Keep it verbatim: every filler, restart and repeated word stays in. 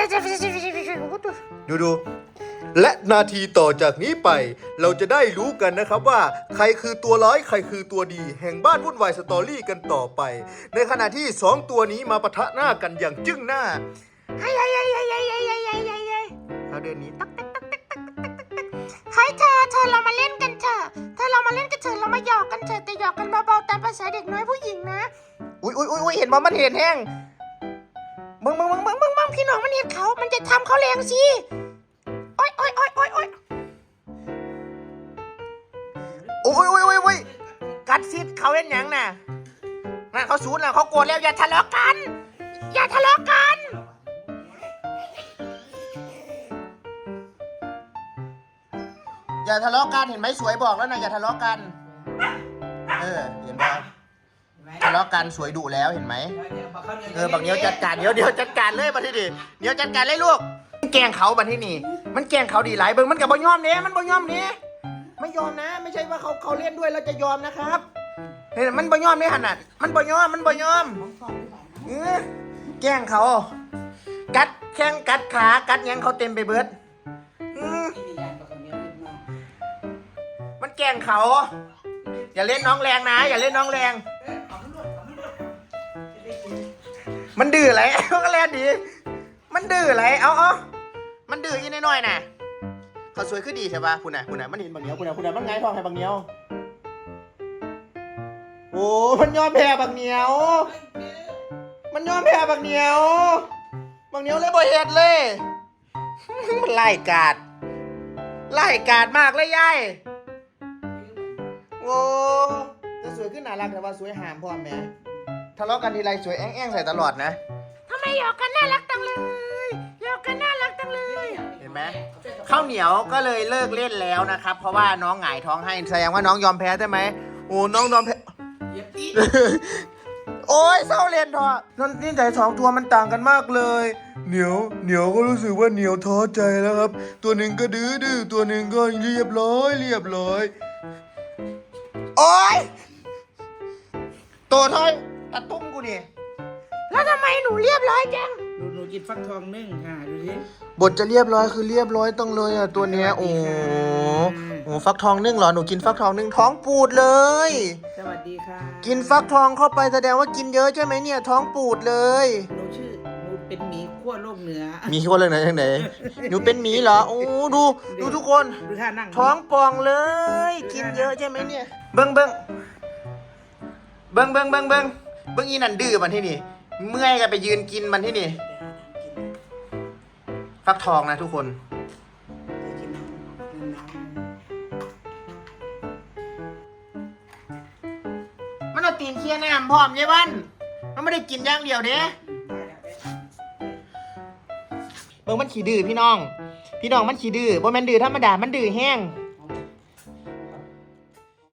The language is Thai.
ดูดูและนาทีต่อจากนี้ไปเราจะได้รู้กันนะครับว่าใครคือตัวร้ายใครคือตัวดีแห่งบ้านวุ่นวายสตอรี่กันต่อไปในขณะที่สองตัวนี้มาปะทะหน้ากันอย่างจึ้งหน้าเฮ้ยเฮ้ยเฮ้ยเฮ้ยเฮ้ยเฮ้ยเฮ้ยเฮ้ยเฮ้ยเขาเดินนี้ตักตักตักตักตักตักตักตักเฮ้ยเธอเธอเรามาเล่นกันเถอะเธอเรามาเล่นกันเถอะเรามาหยอกกันเถอะแต่หยอกกันเบาๆตามภาษาเด็กน้อยผู้หญิงนะอุ้ยอุ้ยอุ้ยเห็นว่ามันเห็นแห้งมึงมึงมึงมึงมึงมึงพี่น้องมันเห็นเขามันจะทำเขาแรงสิโอ๊ยโอ๊ยโอ๊ยโอ๊ยโอ๊ยโอ๊ยโอ๊ยโอ๊ยโอ๊ยกัดซิดเขาเล่นยังน่ะนั่นเขาสูญแล้วเขาโกรธแล้วอย่าทะเลาะกันอย่าทะเลาะกันอย่าทะเลาะกันเห็นไหมสวยบอกแล้วนะอย่าทะเลาะกันเออเห็นไหมทะเลาะกันสวยดุแล้วเห็นไหมเออบักเนี้ยวจัดการเดี๋ยวเดี๋ยวจัดการเลยบัดที่นี่เดี๋ยวจัดการเลยลูกแกล้งเขาบัดที่นี่มันแกล้งเขาดีหลายเบิ่งมันกับบ่ยอมเนี้ยมันบ่ยอมเนี้ยไม่ยอมนะไม่ใช่ว่าเขาเขาเล่นด้วยแล้วจะยอมนะครับเห็นมันบ่ยอมเนี้ยขนาดมันบ่ยอมมันบ่ยอมเออแกล้งเขากัดแข้งกัดขากัดยังเขาเต็มไปเบิดมันแกล้งเขาอย่าเล่นน้องแรงนะอย่าเล่นน้องแรงมันดื้ออะไรมันก็เล่นดีมันดื้ออะไรเอาเอามันดื้ออีน้อยๆน่ะเขาสวยขึ้นดีใช่ปะคุณน่ะคุณน่ะมันเห็นบางเหนียวคุณน่ะคุณน่ะมันไงทองให้บางเหนียวโอ้มันยอมแพ้บางเหนียวมันยอมแพ้บางเหนียวบางเหนียวเลยบ่เห็ดเลยมันไล่กาดไล่กาดมากเลยยายโอ้จะสวยขึ้นน่ารักแต่ว่าสวยหามพร้อมแม่ทะเลาะกันทีไรสวยแอ้งๆใส่ตลอดนะทำไมหยอกกันน่ารักจังเลยหยอกกันน่ารักจังเลยเห็นไหมข้าวเหนียวก็เลยเลิกเล่นแล้วนะครับเพราะว่าน้องหงายท้องให้แสดงว่าน้องยอมแพ้ใช่ไหมโอ้น้องยอมแพ้โอ้ยเศร้าเรียนทอนั่นนี่ใจสองตัวมันต่างกันมากเลยเหนียวเหนียวก็รู้สึกว่าเหนียวท้อใจแล้วครับตัวหนึ่งก็ดื้อดื้อตัวหนึ่งก็เรียบร้อยเรียบร้อยโอ้ยตัวท้อยตะตุ้มกูนี่แล้วทำไมหนูเรียบร้อยจังหนูหนูกินฟักทองนึ่งค่ะดูสิบทจะเรียบร้อยคือเรียบร้อยต้องเลยอ่ะตัวเนี้ยโอ้โหฟักทองนึ่งเหรอหนูกินฟักทองนึ่งท้องปูดเลยสวัสดีค่ะกินฟักทองเข้าไปแสดงว่ากินเยอะใช่ไหมเนี่ยท้องปูดเลยหนูชื่อหนูเป็นหมีขั้วโลกเหนือมีขั้วโลกเหนือทางไหนหนูเป็นหมีเหรอโอ้ดูดูทุกคนดูท่านั่งท้องป่องเลยกินเยอะใช่ไหมเนี่ยเบิ้งเบิ้งเบิ้งเบิ้งเบิ้งเบิ้งเบิ้งอีนั่นดื้อมันที่นี่เมื่อยกันไปยืนกินมันที่นี่ฟักทองนะทุกคนมันเอาตีนเคี่ยน้ำพร้อมยายวันมันไม่ได้กินอย่างเดียวเด้เบิ้งมันขี้ดื้อพี่น้องพี่น้องมันขี้ดื้อบ่แม่นดื้อธรรมดามันดื้อแห้ง